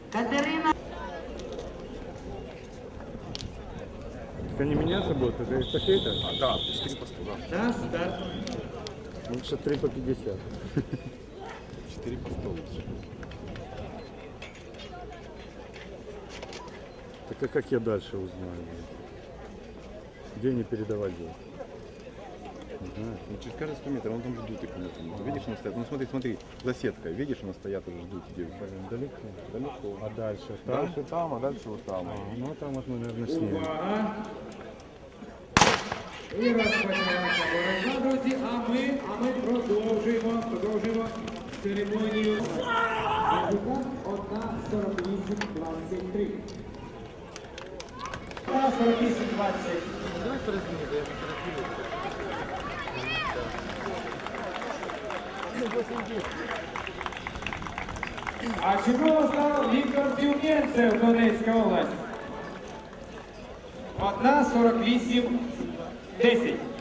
Катерина. Это не меняться будет, это эстафета? Да, 4 по 100, да. Да, старт. Лучше 3 по 50. 4 по 100 лучше. Так а как я дальше узнаю? Где не передавать будет? Не знаю. Ну, через каждые 100 метров, он там ждут их. Ты видишь, они стоят. Ну смотри, за сеткой. Видишь, они стоят уже ждут девушек. Блин, далеко. Далеко. А дальше? Там? Дальше там, а дальше вот там. Ну там вот мы, наверное, снимем. Увага. І розпочалася боротьба, друзі, а ми продовжуємо церемонію. Результат 1:48:23. 1:48:20. Давай порозуміти, я фотографую. А чемпіоном став Віктор Тюмєнцев, Донецька область. 1:48:10.